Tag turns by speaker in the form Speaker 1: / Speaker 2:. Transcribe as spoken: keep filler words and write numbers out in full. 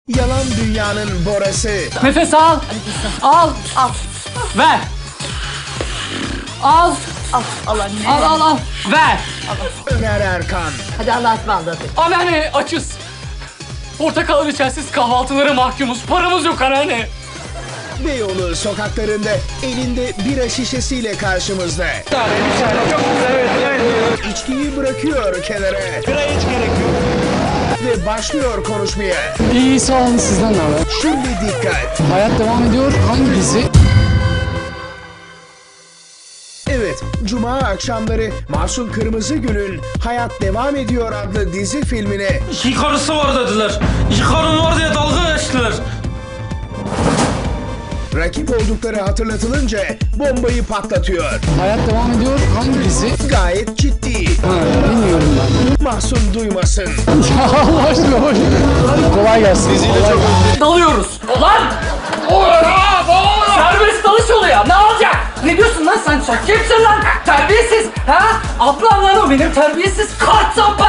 Speaker 1: Yalan dünyanın Bora'sı.
Speaker 2: Nefes al. Al.
Speaker 3: Al.
Speaker 2: Ver. Al.
Speaker 3: Al. Al anne.
Speaker 2: Al al al. Ver.
Speaker 1: Öner Erkan.
Speaker 3: Hadi Allah'a ısmarladık.
Speaker 2: Anneanne açız. Portakal içersiz kahvaltılara mahkumuz. Paramız yok anneanne.
Speaker 1: Beyoğlu sokaklarında elinde bira şişesiyle karşımızda.
Speaker 4: Bir tane, bir tane. Çok güzel, evet, evet.
Speaker 1: İçkiyi bırakıyor kenara
Speaker 4: Bira hiç gerek yok.
Speaker 1: ve başlıyor konuşmaya.
Speaker 5: İyi sağ olun, sizden ne haber?
Speaker 1: Şimdi dikkat.
Speaker 5: Hayat devam ediyor. Hangi dizi?
Speaker 1: Evet, Cuma akşamları Mahsun Kırmızıgül'ün Hayat Devam Ediyor adlı dizi filmine
Speaker 4: İki karısı var dediler. İki karım var diye dalga geçtiler.
Speaker 1: rakip oldukları hatırlatılınca bombayı patlatıyor.
Speaker 5: Hayat devam ediyor. Hangi dizi?
Speaker 1: Gayet ciddi.
Speaker 5: Ha, bilmiyorum ben.
Speaker 1: Mahsun duymasın.
Speaker 5: Ya Allah aşkına boş. Kolay gelsin. Diziyle çok
Speaker 2: Dalıyoruz. Lan! Serbest dalış oluyor. Ne olacak? Ne diyorsun lan sen? Sen kimsin lan? Terbiyesiz. Ha? Ablam lan o benim terbiyesiz. Kart